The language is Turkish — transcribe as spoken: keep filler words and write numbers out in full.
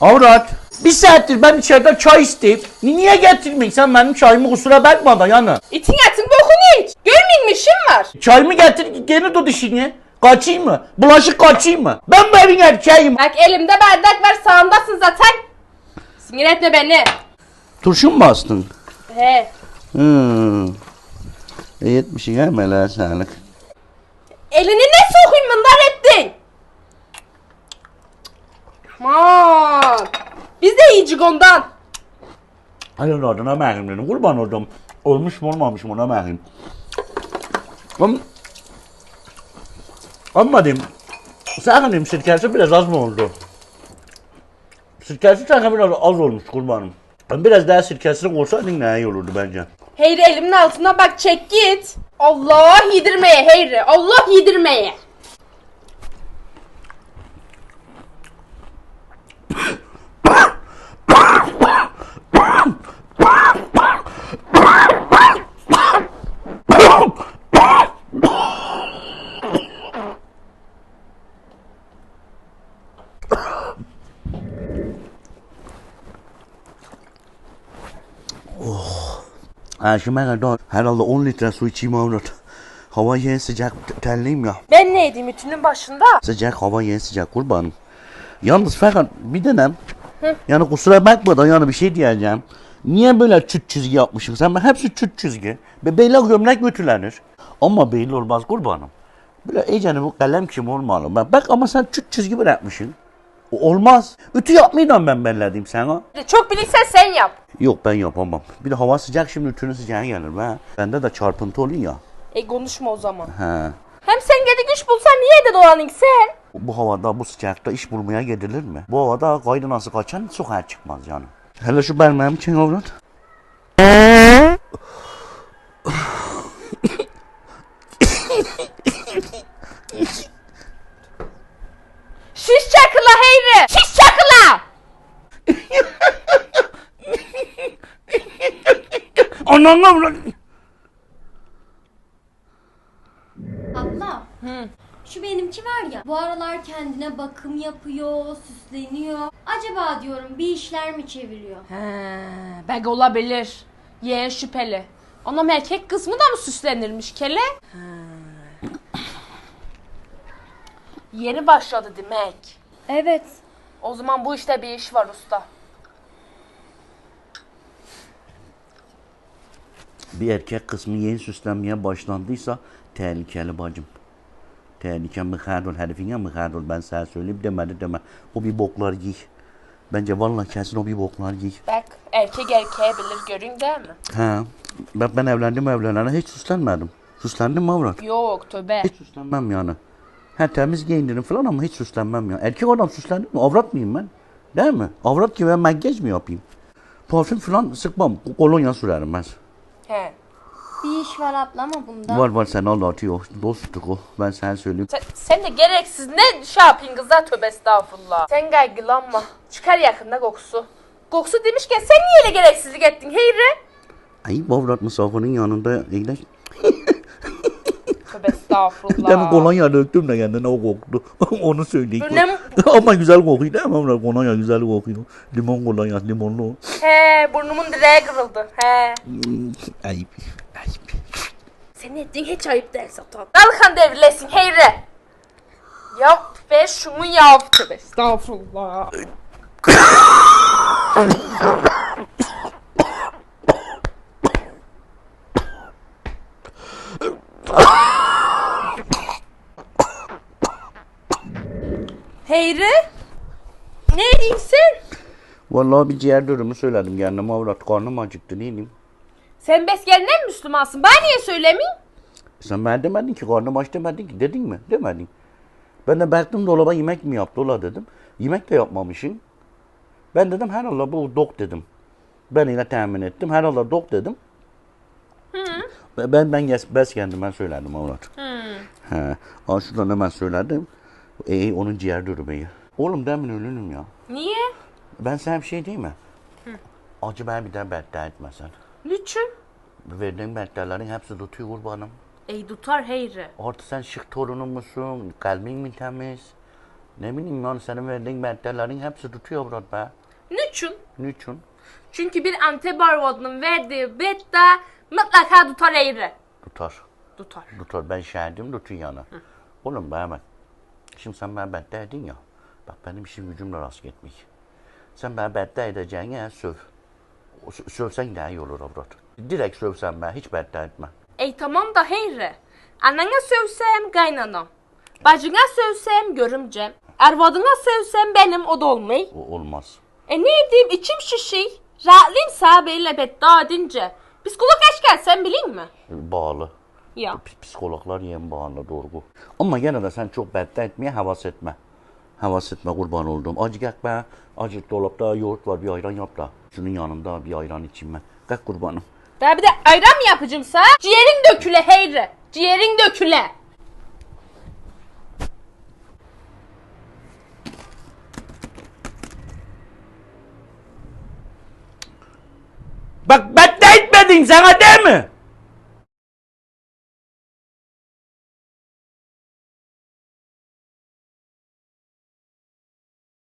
Avrat, bir saattir ben içeride çay isteyip niye getirmiyorsun sen benim çayımı, kusura bakma da yana. İtin atın bokunu iç. Görmeyin mi işim var? Çayımı getir gene tut işini. Kaçayım mı? Bulaşık kaçayım mı? Ben bu evin erkeğim. Bak elimde bardak var, sağımdasın zaten. Sinir etme beni. Turşu mu bastın? He. Hmm. E yetmişin ha meleğe sağlık. Elini ne sokayım bunlar ettin? Aman. Biz de yiyecek ondan. Hayır adına məhrim dedim. Kurban oldum. Olmuş mu olmamış mı ona məhrim. Ama, ama dedim. Sakın dedim sirkesi biraz az mı oldu? Sirkesi sanki biraz az olmuş kurbanım. Biraz daha sirkesini koysaydın ne iyi olurdu bence. Heyri elimin altına bak, çek git. Allah yedirmeye Heyri. Allah yedirmeye. Ha şimdi ben kadar herhalde on litre su içeyim avrat. Hava yeni sıcak terliyim ya. Ben ne edeyim ütünün başında? Sıcak hava yeni sıcak kurbanım. Yalnız fakat bir dönem yani kusura bakma da yani bir şey diyeceğim. Niye böyle çüt çizgi yapmışsın sen? Ben hepsi çüt çizgi. Bebeyle gömlek götürlenir. Ama belli olmaz kurbanım. Böyle iyicene bu kalem kim olmalı. Bak, bak ama sen çüt çizgi bırakmışsın. O olmaz. Ütü yapmayacağım ben belledim sana. Çok bilirsen sen yap. Yok ben yapamam. Bir de hava sıcak şimdi ütünün sıcağı gelir be. Bende de çarpıntı oluyor ya. E konuşma o zaman. He. Hem sen gidi güç bulsan niye de dolanın sen? Bu havada bu sıcakta iş bulmaya gidilir mi? Bu havada kaydınası kaçan sokağa çıkmaz yani. Hele şu benim için avrat. Şiş çakıla Heyri. Şiş çakıla. Anam avrat. Abla, şu benimki var ya, bu aralar kendine bakım yapıyor, süsleniyor. Acaba diyorum bir işler mi çeviriyor? He, belki olabilir. Yeğen şüpheli. Anam erkek kısmı da mı süslenirmiş kele? He. Yeni başladı demek. Evet. O zaman bu işte bir iş var usta. Bir erkek kısmı yeni süslenmeye başlandıysa tehlikeli bacım. Tehlike mıhardol herifine mıhardol ben sana söyleyeyim demedi deme. O bir boklar giy. Bence vallahi kesin o bir boklar giy. Bak erkek erkeğe bilir, görün değil mi? He. Ben, ben evlendim evlenene hiç süslenmedim. Süslendim mi avrat? Yok tövbe. Hiç süslenmem yani. Ha temiz giyinirim falan ama hiç süslenmem ya. Erkek adam süslendim mi? Avrat mıyım ben? Değil mi? Avrat gibi ben makyaj mi yapayım? Parfüm falan sıkmam. Kolonya sürerim ben. He. Bir iş var abla ama bunda. Var var sen anlatıyor. Dostluk o. Ben sana söyleyeyim. Sen, sen de gereksiz ne şey yapayım kızlar, tövbe estağfurullah. Sen kaygılanma. Çıkar yakında kokusu. Kokusu demişken sen niye öyle gereksizlik ettin Heyri? Ay bu avrat misafirin yanında eğleş. Tövbe estağfurullah. Bir tane kolonya döktüm de kendine o koktu. Onu söyleyeyim. Böyle- Ama güzel kokuyor değil mi avrat? Kolonya güzel kokuyor. Limon kolonya limonlu. He, burnumun direği kırıldı. He. Ayıp. Ayıp. Senin ettiğin hiç ayıp değil Satan. Dalkan devrilesin Heyri. Yap ve şunu yap. Tövbe estağfurullah. Heyri? Ne diyeyim sen? Vallahi bir ciğer dürümü söyledim kendime avrat. Karnım acıktı neyim? Sen besgelinden Müslümansın. Bana niye söylemeyeyim? Sen ben demedin ki karnım aç demedin ki dedin mi? Demedin. Ben de baktım dolaba yemek mi yaptı ola dedim. Yemek de yapmamışsın. Ben dedim herhalde bu dok dedim. Ben yine tahmin ettim. Herhalde dok dedim. Hı. Ben ben yes, bes kendim ben söyledim avrat. Hı. He. Aa, şuradan hemen söyledim. Ee, onun ciğer dürümeyi. Oğlum demin ölünüm ya. Niye? Ben sana bir şey diyeyim mi? Hı. Acı ben bir daha beddua etmesen. Niçin? Verdiğin beddaların hepsi tutuyor kurbanım. Ey tutar Heyri. Artık sen şık torunun musun? Kalbin mi temiz? Ne bileyim yani senin verdiğin beddelerin hepsi tutuyor Murat be. Niçin? Niçin? Çünkü bir Antep arvadının verdiği bedde mutlaka tutar eğri. Tutar. Tutar. Tutar. Ben şahidim tutuyor yani. Oğlum bana bak. Şimdi sen bana bedde edin ya. Bak benim işim gücümle rast gitmiş. Sen bana bedde edeceğine söv. O sö- Sövsen daha iyi olur avrat. Direkt sövsen ben hiç bedde etme. Ey tamam da heyri. Annene sövsem kaynanam. Bacına sövsem görümcem. Ervadına sövsem benim o da olmay. O olmaz. E ne edeyim içim şişi. Rahatlayayım sahabeyle bedda edince. Psikolog eşken sen bilin mi? Bağlı. Ya. P- Psikologlar yem bağlı doğru. Ama gene de sen çok bedde etmeye havas etme. Havas etme kurban olduğum. Acı gel be. Acı dolapta yoğurt var bir ayran yap da. Şunun yanında bir ayran içeyim ben. Kalk kurbanım. Daha bir de ayran mı yapacımsa? Ciğerin döküle heyri. Ciğerin döküle. Bak bedde etmedin sana değil mi?